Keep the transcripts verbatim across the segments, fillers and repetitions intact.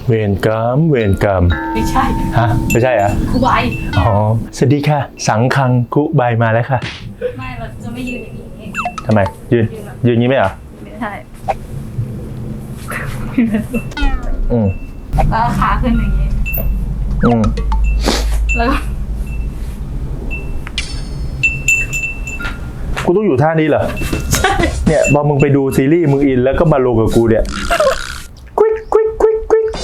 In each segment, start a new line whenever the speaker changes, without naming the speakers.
เวรกรรมเวรกรรม
ไม่ใช่
ฮะไม่ใช่เหรอ
ครูใบ
อ๋อสวัสดีค่ะสังคังคุใบมาแล้วค่ะ
ไม่เราจะไม่ยืนอย่างนี้
ทำไมยืนยืนอย่างนี้ไหมเหรอ
ไม่ใช่
อืม
แล้วขาขึ้นอย่างนี้
อืม
แล้ว
กูต้องอยู่ท่านี้เหรอใช่เนี่ยพอมึงไปดูซีรีส์มึงอินแล้วก็มาลงกับกูเนี่ยควิกควิกควิกควิก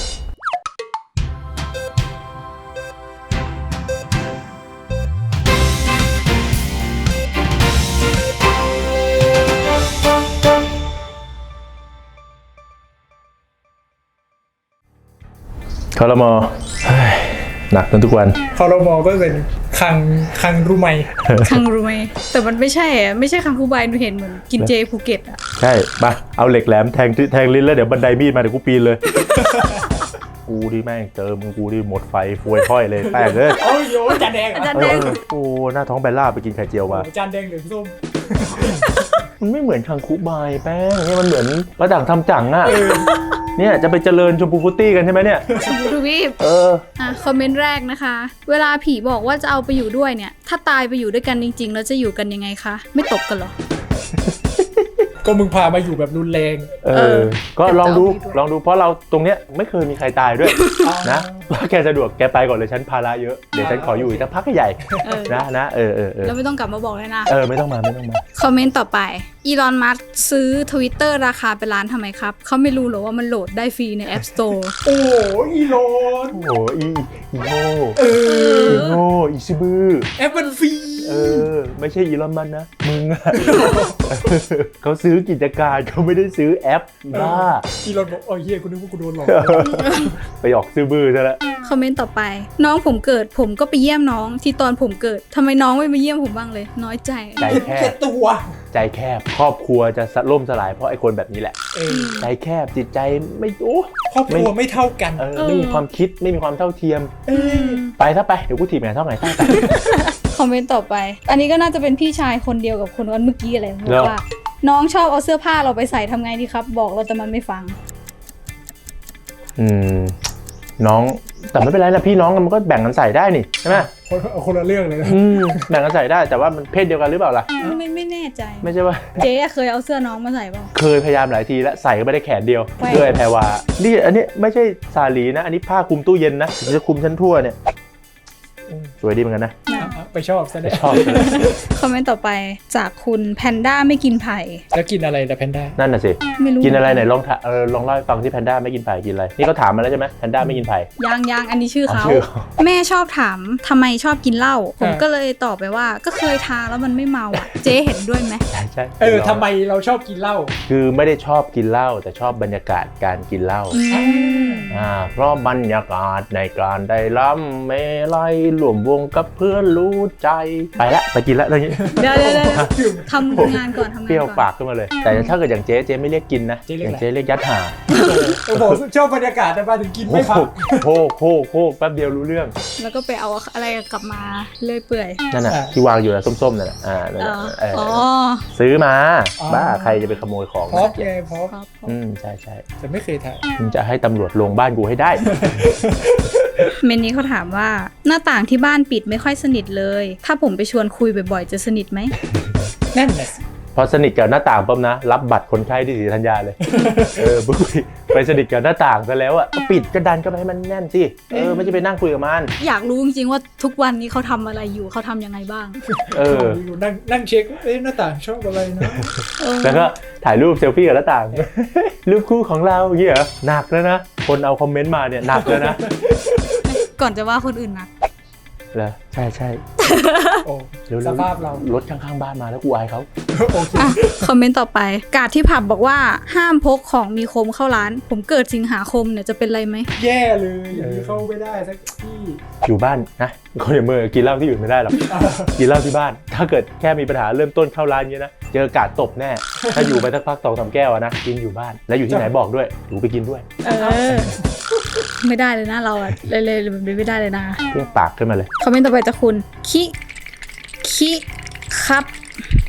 คอรมอหนักกันทุกวัน
คอรมอก็เป็นคังคังรู้ไหม
คังรู้ไหมแต่มันไม่ใช่อะไม่ใช่คังคูใบหนูเห็นเหมือนกินเจภูเก็ตอ่ะ
ใช่ปะเอาเหล็กแหลมแทงแทงลิ้นแล้วเดี๋ยวบันไดมีดมาเดี๋ยวกูปีนเลยกูดิแม่งเจอมึงกูดิหมดไฟฟวยค่อยเลยแป้งเลย
โอ้ยโยจานแดง
จานแดง
โอ้หน้าท้องแบลล่าไปกินไข่เจียวมา
จานแดงหรือส้ม
มันไม่เหมือนคังคุใบแป้งเนี่ยมันเหมือนประดังทำจังอ่ะเนี่ยจะไปเจริญชมพูฟุตตี้กันใช่ไหมเนี่ย
ชมพูทวีป
เออ
อ่ะคอมเมนต์แรกนะคะเวลาผีบอกว่าจะเอาไปอยู่ด้วยเนี่ยถ้าตายไปอยู่ด้วยกันจริงๆแล้วจะอยู่กันยังไงคะไม่ตบกันหรอ
ก็มึงพามาอยู่แบบรุนแรง
เออก็ลองดูลองดูเพราะเราตรงเนี้ยไม่เคยมีใครตายด้วยนะว่าแกสะดวกแกไปก่อนเลยฉันภาระเยอะเดี๋ยวฉันขออยู่อีกสักพักใหญ่นะนะเออเออเออ
แล้วไม่ต้องกลับมาบอกเลยนะ
เออไม่ต้องมาไม่ต้องมา
คอมเมนต์ต่อไปอีลอนมัสก์ซื้อ Twitter ราคาเป็นล้านทำไมครับเขาไม่รู้หรอว่ามันโหลดได้ฟรีใน App Store
โอ้อีโลน
โอ้อีอีโง่เอออีโง่อีซิบือ
แอปมันฟรี
เออไม่ใช่อีลอนมัสก์นะมึงอะเขาซื้อกิจการเขาไม่ได้ซื้อแอปบ้า
อีลอนบอกโอ้ยเฮียกูนึกว่ากูโดนหลอก
ไปออกซื้อบื้อซะแล้ว
คอมเมนต์ต่อไปน้องผมเกิดผมก็ไปเยี่ยมน้องที่ตอนผมเกิดทำไมน้องไม่มาเยี่ยมผมบ้างเลยน้อยใจ
ใจแคบ
ตัว
ใจแคบครอบครัวจะล่มสลายเพราะไอ้คนแบบนี้แหละใจแคบจิตใจไม่โอ้
ครอบครัวไม่เท่ากัน
เออไม่มีความคิดไม่มีความเท่าเทียมไปถ้าไปเดี๋ยวกูถีบแม่เท่าไหร่ใต้ไป
คอมเมนต์ต่อไปอันนี้ก็น่าจะเป็นพี่ชายคนเดียวกับคนวันเมื่อกี้อะไรบอกว่าน้องชอบเอาเสื้อผ้าเราไปใส่ทำไงดีครับบอกเราแต่มันไม่ฟัง
อืมน้องแต่ไม่เป็นไรนะพี่น้องมันก็แบ่งกันใส่ได้นี่ใช่ไหม
คนคนละเรื่องเลยนะ
แบ่งกันใส่ได้แต่ว่ามันเพศเดียวกันหรือเปล่าล่ะ
ไม่ไม่แน่ใจ
ไม่ใช่ว่า
เจ๊เคยเอาเสื้อน้องมาใส่เปล่า
เคยพยายามหลายทีแล้วใส่ก็ไม่ได้แขนเดียวเพื่อไอ้แพรวานี่อันนี้ไม่ใช่สาลีนะอันนี้ผ้าคลุมตู้เย็นนะจะคลุมชั้นทั่วเนี่ยสวยดีเหมือนกันนะ
ไปชอบซะได้
ชอบ
คอมเมนต์ต่อไปจากคุณแพนด้าไม่กินไผ่
แล้วกินอะไรแต่แพนด้า
นั่นน่ะสิ
ไม่รู้
กินอะไรไหนลองเออลองเล่าให้ฟังที่แพนด้าไม่กินไผ่กินอะไรนี่เขาถามมาแล้วใช่ไหมแพนด้าไม่กินไผ่
ยังยังอันนี้ชื่อเขาแม่ชอบถามทำไมชอบกินเหล้าผมก็เลยตอบไปว่าก็เคยทาแล้วมันไม่เมาอ่ะเจ๊เห็นด้วยไหม
ใช่ใช่
เออทำไมเราชอบกินเหล้า
คือไม่ได้ชอบกินเหล้าแต่ชอบบรรยากาศการกินเหล้าอ่าเพราะบรรยากาศในการได้ล้ำเมลัยรวมวงกับเพื่อนรู้ใจไปละไปกินละอะไรอย่างงี้
เดี๋ยวเดี๋ยวทำงานก่อนทำงานก่อน
เปรี้ยวปากขึ้นมาเลยแต่ถ้าเกิดอย่างเจ๊เจ๊ไม่เรียกกินนะอย่างเจ๊เรียกยัดหา
โอ้โหชอบบรรยากาศแต่มาถึงกินไม่พัก
โคกโคกโคกแป๊บเดียวรู้เรื่อง
แล้วก็ไปเอาอะไรกลับมาเลื่อยเปื่อย
นั่นน่ะที่วางอยู่นะส้มๆนั่นน่ะอ่าอ๋อซื้อมาบ้าใครจะไปขโมยของ
พอบไงพอบ
อืมใช่ใช่
แต่ไม่เคยถ่าย
มึงจะให้ตำรวจลงบ้านกูให้ได้
เมนนี้เขาถามว่าหน้าต่างที่บ้านปิดไม่ค่อยสนิทเลยถ้าผมไปชวนคุยบ่อยๆจะสนิทไหม
นั่นแหละ
พอสนิทกับหน้าต่างปั๊บนะรับบัตรคนไข้ที่ศรีธัญญาเลยเออปุ๊บไปสนิทกับหน้าต่างซะแล้วอ่ะปิดกระดานก็ไปให้มันแน่นสิเออไม่ใช่ไปนั่งคุยกับมัน
อยากรู้จริงๆว่าทุกวันนี้เขาทำอะไรอยู่เขาทำยังไงบ้าง
เออ
นั่งนั่งเช็คเอ๊ะหน้าต่างชอบอะไรนะ
แล้วก็ถ่ายรูปเซลฟี่กับหน้าต่างรูปคู่ของเราอย่างเงี้ยหนักแล้วนะคนเอาคอมเมนต์มาเนี่ยหนักแล้วนะ
ก่อนจะว่าคนอื่นนะ
เหรอใช่ใช่
โอ้สภาพเรา
รถข้างๆบ้านมาแล้วกูอายเขา
คอมเมนต์ต่อไปกาดที่ผับบอกว่าห้ามพกของมีคมเข้าร้านผมเกิดสิงหาคมเนี่ยจะเป็นไรไหม
แย่เลยอย่างนี้เข้าไม่ได้สักที่
อยู่บ้านนะคนอย่างมือกินเหล้าที่อื่นไม่ได้หรอกกินเหล้าที่บ้านถ้าเกิดแค่มีปัญหาเริ่มต้นเข้าร้านเงี้ยนะเจอกาดตบแน่ถ้าอยู่ไปสักพักสองสามแก้วนะกินอยู่บ้านแล้วอยู่ที่ไหนบอกด้วยหนูไปกินด้วย
เออไม่ได้เลยนะเราอะเลยเลยแบบนี้ไม่ได้เลยนะ
เรียกปากขึ้นมาเลย
คอมเมนต์ต่อไปจากคุณคิคิครับ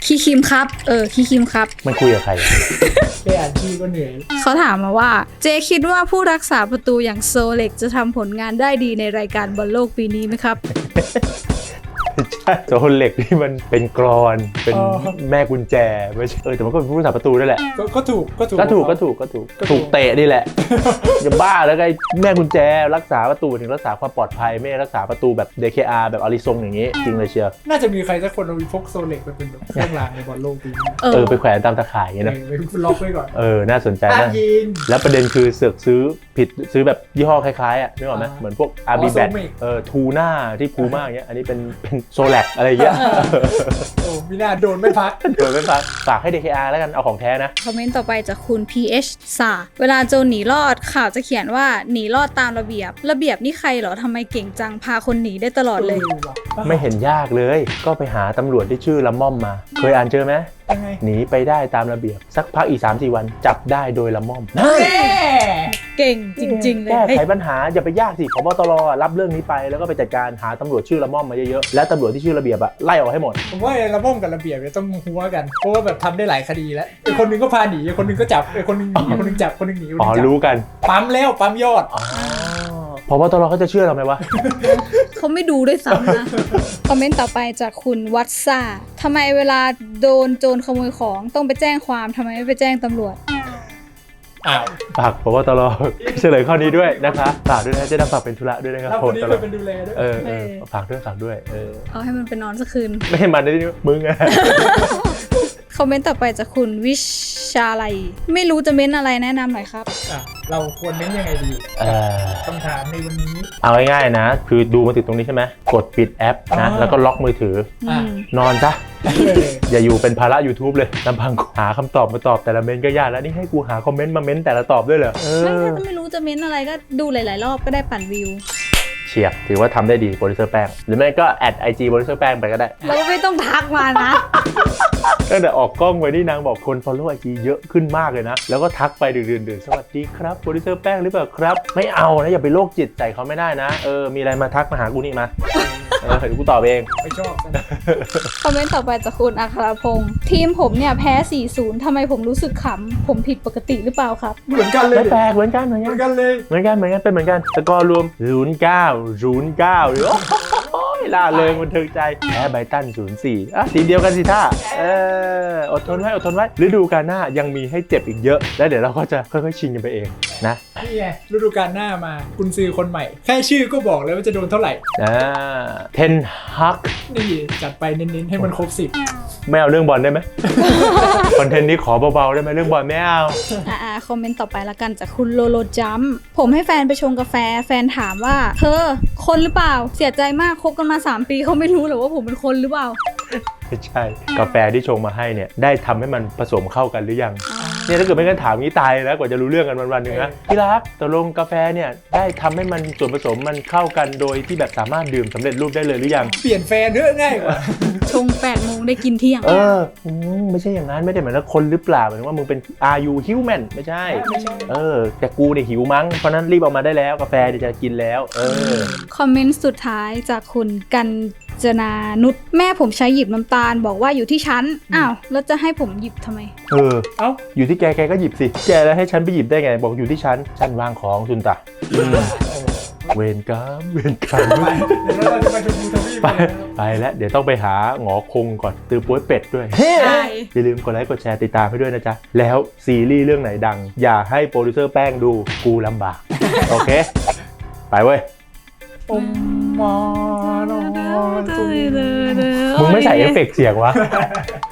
คีคิมครับเออคีคิมครับ
มันคุยกับใครอะ
แค่อ่านชื่อก็เหนื่อย
เขาถามมาว่าเจคิดว่าผู้รักษาประตูอย่างโซเล็กจะทำผลงานได้ดีในรายการบอลโลกปีนี้ไหมครับ
ใช่โซนเหล็กที่มันเป็นกรอนเป็นแม่กุญแจไม่ใช่เออแต่มันก็เป็นผู้รักษาประตูด้วยแหละ
ก็ก็ถูกก็ถูก
ก็ถูกก็ถูกก็ถูกถูกเตะนี่แหละจะบ้าแล้วไงแม่กุญแจรักษาประตูถึงรักษาความปลอดภัยไม่ได้รักษาประตูแบบ ดี เค อาร์ แบบอาริซงอย่างนี้จริงเลยเชียว
น่าจะมีใครสักคนเอาพกโซเล็กไปเป็นแบบเครื่องรางในบอลโลกปีนี้
เออ
เออไปแขวนตามตะข่ายอย่างเงี้ยนะ
เออไปล็อกไว้ก่อน
เออน่าสนใจ
อ่ะ
นะ
ยิง
แล้วประเด็นคือเสือกซื้อผิดซื้อแบบยี่ห้อคล้ายๆอ่ะนึกออกไหม
อ่า
เหมือนพวก อาร์ บี แบท
Soulmate
เออทูน่าที่พูม่าอย่างเงี้ยอันนี้เป็นเป็นโซแลกอะไรอย่างเงี้ย
โอ้มีหน้าโดนไม่พัก
โดยไม่ฝากฝากให้ ดี เค อาร์ แล้วกันเอาของแท้นะ
คอมเมนต์ต่อไปจากคุณ พี เอช ซาเวลาโจรหนีรอดข่าวจะเขียนว่าหนีรอดตามระเบียบ ระเบียบนี่ใครเหรอทำไมเก่งจังพาคนหนีได้ตลอดเลย
ออว่ะ
ไม่เห็นยากเลย ก็ไปหาตำรวจที่ชื่อละม่อมมา เคยอ่านเจอไหม
ยังไง
หนีไปได้ตามระเบียบ สักพักอีก สามสี่ วันจับได้โดยละม่อม
แน่
เก่งจริง ๆ เลย
แก้
เฮ้ย
ไขปัญหาอย่าไปยากสิผบตรรับเรื่องนี้ไปแล้วก็ไปจัดการหาตำรวจชื่อละม่อมมาเยอะๆและตำรวจที่ชื่อระเบียบอะไล่ออกให้หมด
ผมว่าไอ้ระม่อมกับระเบียบเนี่ยต้องหัวกันเพราะว่าแบบทำได้หลายคดีแล้วไอ้คนหนึงก็พาหนีไอ้คนหนึงก็จับไอ้คนหนึงหนีไอ้คนหนึงจับคนหนึงหนีคนห
อ๋
นึ
อง
จับ
รู้กัน
ปั๊มแล้วปั๊มยอด
อ๋อผบตรเขาจะเชื่อเราไหมวะ
เขาไม่ดูด้วยซ้ำนะ คอมเมนต์ต่อไปจากคุณวัตซ่าทำไมเวลาโดนโจรขโมยของต้องไปแจ้งความทำไมไม่ไปแจ้งตำรวจ
อ้าว
ฝากผบตรเฉลยข้อนี้ด้วยนะคะฝากด้วยนะเจะนำฝากเป็นธุระด้วยนะครับ
แล้ว
ผ
ค
บ
นนี้
ต
เค
ร
ยเป็นดูแลด้วย
เออเออ
เออ
ฝากด้วยฝากด้วยเออ
เอาให้มันไปนอนสักคืน
ไม่ให้มันได้ดิมึงอะ
คอมเมนต์ต่อไปจากคุณวิชาลัยไม่รู้จะเม้นอะไรแนะนำหน่อยครับ
อ่ะเราควรเน้นยังไงดี
เออ
คำถามในวันนี้
เอาง่ายๆนะ คือดูมาถึงตรงนี้ใช่ไหมกดปิดแอปนะ
อ๋อ
แล้วก็ล็อกมือถือ
อ่ะ
อืม
นอนซะ
เออ
อย่าอยู่เป็นภาระ YouTube เลยลำพังหาคำตอบมาตอบแต่ละเมนต์ก็ยากแล้วนี่ให้กูหาคอมเมนต์มาเมนต์แต่ละตอบด้วยเหรอเอ
ไม่
อ
ถ้าไม่รู้จะเม้นอะไรก็ดูหลาย ๆ รอบก็ได้ปั่นวิว
เฉียบถือว่าทำได้ดีโปรดิวเซอร์แป้งหรือไม่ก็แอดไอจีโปรดิวเซอร์แป้งไปก็ได้
เราก็ไม่ต้องทักมานะ
ตั้งแต่ออกกล้องไว้นี่นางบอกคน follow ไอจีเยอะขึ้นมากเลยนะ แล้วก็ทักไปดื่นๆสวัสดีครับโปรดิวเซอร์แป้งหรือเปล่าครับ ไม่เอานะอย่าไปโรคจิตใส่เขาไม่ได้นะเออมีอะไรมาทักมาหากูนี่มาเออเดี๋ยวกูตอบเอง
ไม่ชอบกัน
คอมเมนต์ต่อไปจากคุณอัครพงศ์ทีมผมเนี่ยแพ้ สี่ศูนย์ ทำไมผมรู้สึกขำ ผมผิดปกติหรือเปล่าครับ
เหมือนกันเลย
ไม่แปลกเหมือนกันเหมือน
เห
กั
มือน นกันเลย
เหมือนกันเหมือนกันเป็นเหมือนกันสกอร์รวมศูนย์เก้า ศูนย์เก้าหรือโอ้ยล่าเริงบันเทิงใจแพ้ไบรตันศูนย์สี่อ่ะทีมเดียวกันสิท่าเอออดทนไว้อดทนไว้ฤดูกาลหน้ายังมีให้เจ็บอีกเยอะ แล้วเดี๋ยวเราก็จะค่อยๆชินกันไปเองนะ
นี่ไงฤดูกาลหน้ามาคุณซื้อคนใหม่ แค่ชื่อก็บอกแล้วว่าจะโดนเท่าไหร่
อ่าเทนฮัก
นี่จัดไปเน้นๆให้มันครบสิบ
ไม่เอาเรื่องบอลได้ไหม คอนเทนต์นี้ขอเบาๆได้ไหมเรื่องบอลไม่เอา
อ่าคอมเมนต์ต่อไปละกันจากคุณโลโลจัมผมให้แฟนไปชงกาแฟแฟนถามว่าเธอคนหรือเปล่าเสียใจมากคบกันมาสามปีเขาไม่รู้หรอว่าผมเป็นคนหรือเปล่า
ไม่ใช่ กาแฟที่ชงมาให้เนี่ยได้ทำให้มันผสมเข้ากันหรือยัง เนี่ยถ้าเกิดไม่งั้นถามงี้ตายแล้วกว่าจะรู้เรื่องกันวันๆหนึ่งนะพี่รักตกลงกาแฟเนี่ยได้ทำให้มันส่วนผสมมันเข้ากันโดยที่แบบสามารถดื่มสำเร็จรูปได้เลยหรือยัง
เปลี่ยนแฟนเถอะง่ายกว่า
ชงแปดโมงได้กินเที่ยง
เอออืมไม่ใช่อย่างนั้นไม่ได้หมายถึงคนหรือเปล่าหมายถึงว่ามึงเป็น are you human ไม่ใช่
ไม่ใช่
เออแต่กูเนี่ยหิวมั้งเพราะนั้นรีบเอามาได้แล้วกาแฟเดี๋ยวจะกินแล้ว เออ
คอมเมนต์สุดท้ายจากคุณกันจนานุชแม่ผมใช้หยิบน้ำตาลบอกว่าอยู่ที่ชั้นอ้าวแล้วจะให้ผมหยิบทำไม
เออ
เอ้า
อยู่ที่แกแกก็หยิบสิแกแล้วให้ฉันไปหยิบได้ไงบอกอยู่ที่ชั้นชั้นวางของซุนตะอืมเวรกรรมเวรกรรม
ไปเดี๋ยวเราจะไปชมพูทวีป
ไป
กันแล้ว
ไปแล้วเดี๋ยวต้องไปหาหงอคงก่อนตือป้วยเป็ดด้วย
ใช่
อย่าลืมกดไลค์กดแชร์ติดตามให้ด้วยนะจ๊ะ แล้วซีรีส์เรื่องไหนดัง อย่าให้โปรดิวเซอร์แป้งดูกูลำบาก โอเค ไปเว้ย
อมมานอน
มึงไม่ใส่เอฟเฟกต์เสียงวะ